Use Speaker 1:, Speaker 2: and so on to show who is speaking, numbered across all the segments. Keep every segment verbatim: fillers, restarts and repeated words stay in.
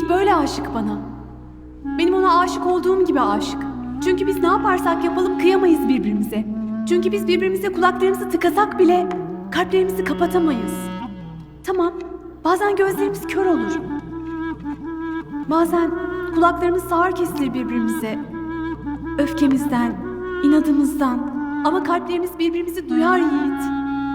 Speaker 1: Yiğit böyle aşık bana. Benim ona aşık olduğum gibi aşık. Çünkü biz ne yaparsak yapalım kıyamayız birbirimize. Çünkü biz birbirimize kulaklarımızı tıkasak bile kalplerimizi kapatamayız. Tamam, bazen gözlerimiz kör olur. Bazen kulaklarımız sağır kesilir birbirimize. Öfkemizden, inadımızdan. Ama kalplerimiz birbirimizi duyar Yiğit.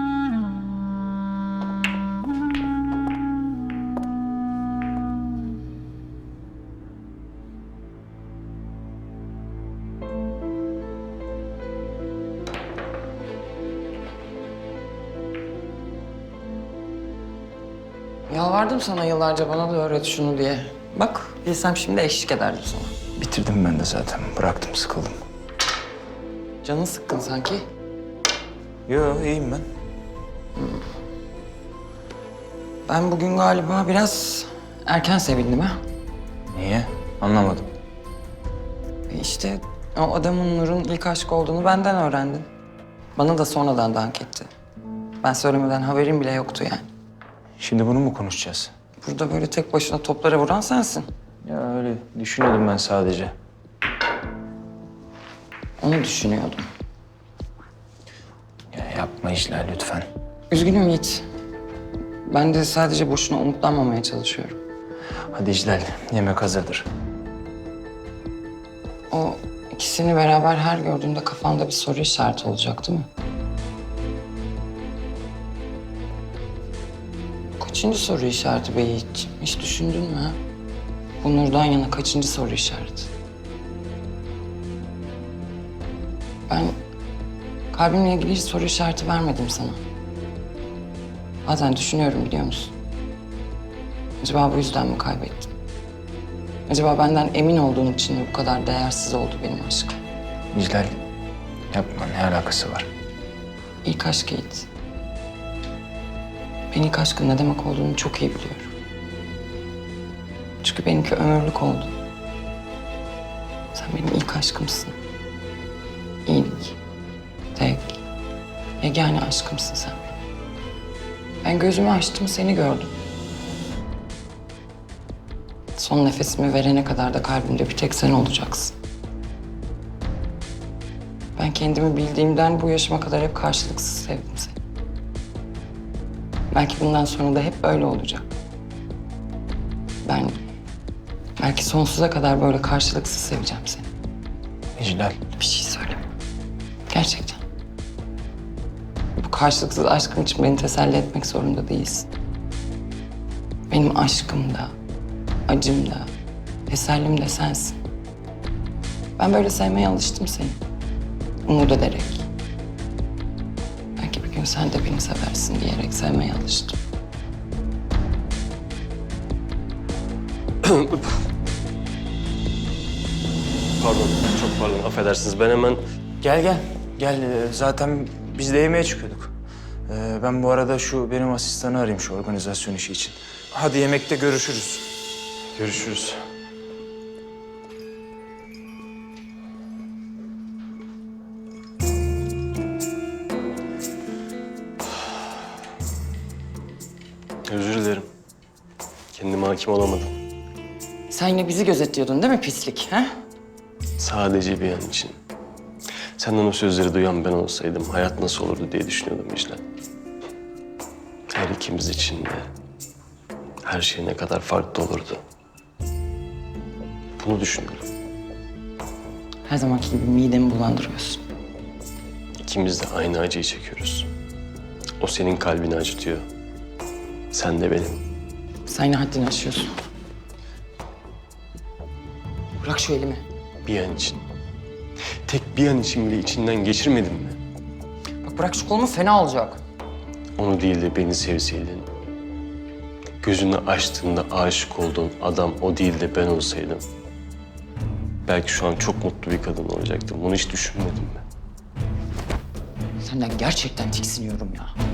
Speaker 2: Yalvardım sana yıllarca bana da öğret şunu diye. Bak, bilsem şimdi eşlik ederdim sana.
Speaker 3: Bitirdim ben de zaten. Bıraktım, sıkıldım.
Speaker 2: Canın sıkkın sanki.
Speaker 3: Yo, iyiyim ben.
Speaker 2: Ben bugün galiba biraz erken sevindim ha.
Speaker 3: Niye? Anlamadım.
Speaker 2: E İşte o adamın Nur'un ilk aşk olduğunu benden öğrendin. Bana da sonradan dank etti. Ben söylemeden haberim bile yoktu yani.
Speaker 3: Şimdi bunu mu konuşacağız?
Speaker 2: Burada böyle tek başına toplara vuran sensin.
Speaker 3: Ya öyle düşünüyordum ben sadece.
Speaker 2: Onu düşünüyordum.
Speaker 3: Ya yapma işler lütfen.
Speaker 2: Üzgünüm Yiğit. Ben de sadece boşuna umutlanmamaya çalışıyorum.
Speaker 3: Hadi İclal, yemek hazırdır.
Speaker 2: O ikisini beraber her gördüğümde kafanda bir soru işareti olacak değil mi? Kaçıncı soru işareti be Yiğit? Hiç düşündün mü ha? Bu Nur'dan yana kaçıncı soru işareti? Ben kalbimle ilgili hiç soru işareti vermedim sana. Bazen düşünüyorum biliyor musun? Acaba bu yüzden mi kaybettim? Acaba benden emin olduğum için mi bu kadar değersiz oldu benim aşkım?
Speaker 3: İclal, yapma. Ne alakası var?
Speaker 2: İlk aşk Yiğit. Ben ilk aşkın ne demek olduğunu çok iyi biliyorum. Çünkü benimki ömürlük oldu. Sen benim ilk aşkımsın. İlk, tek, yegane aşkımsın sen benim. Ben gözümü açtım, seni gördüm. Son nefesimi verene kadar da kalbimde bir tek sen olacaksın. Ben kendimi bildiğimden bu yaşıma kadar hep karşılıksız sevdim seni. Belki bundan sonra da hep böyle olacak. Ben belki sonsuza kadar böyle karşılıksız seveceğim seni.
Speaker 3: İclal.
Speaker 2: Bir şey söyleme. Gerçekten. Bu karşılıksız aşkım için beni teselli etmek zorunda değilsin. Benim aşkım da, acım da, tesellim de sensin. Ben böyle sevmeye alıştım seni. Umut ederek. Belki bir gün sen de beni seversin diyerek sevmeye alıştım.
Speaker 4: Pardon, çok pardon. Affedersiniz. Ben hemen...
Speaker 3: Gel gel. Gel. Ee, Zaten biz de yemeğe çıkıyorduk. Ee, ben bu arada şu benim asistanı arayayım şu organizasyon işi için. Hadi yemekte görüşürüz.
Speaker 4: Görüşürüz. Özür dilerim. Kendime hakim olamadım.
Speaker 2: Sen yine bizi gözetliyordun değil mi pislik? Ha?
Speaker 4: Sadece bir an için. Senden o sözleri duyan ben olsaydım hayat nasıl olurdu diye düşünüyordum İclal. Her ikimiz için de her şey ne kadar farklı olurdu. Bunu düşünüyorum.
Speaker 2: Her zamanki gibi midemi bulandırıyorsun.
Speaker 4: İkimiz de aynı acıyı çekiyoruz. O senin kalbini acıtıyor. Sen de benim.
Speaker 2: Sen yine haddini aşıyorsun. Bırak şu elimi.
Speaker 4: Bir an için. Tek bir an için bile içinden geçirmedin mi?
Speaker 2: Bak bırak şu kolumu fena olacak.
Speaker 4: Onu değil de beni sevseydin. Gözünü açtığında aşık olduğun adam o değil de ben olsaydım. Belki şu an çok mutlu bir kadın olacaktım. Bunu hiç düşünmedin mi?
Speaker 2: Senden gerçekten tiksiniyorum ya.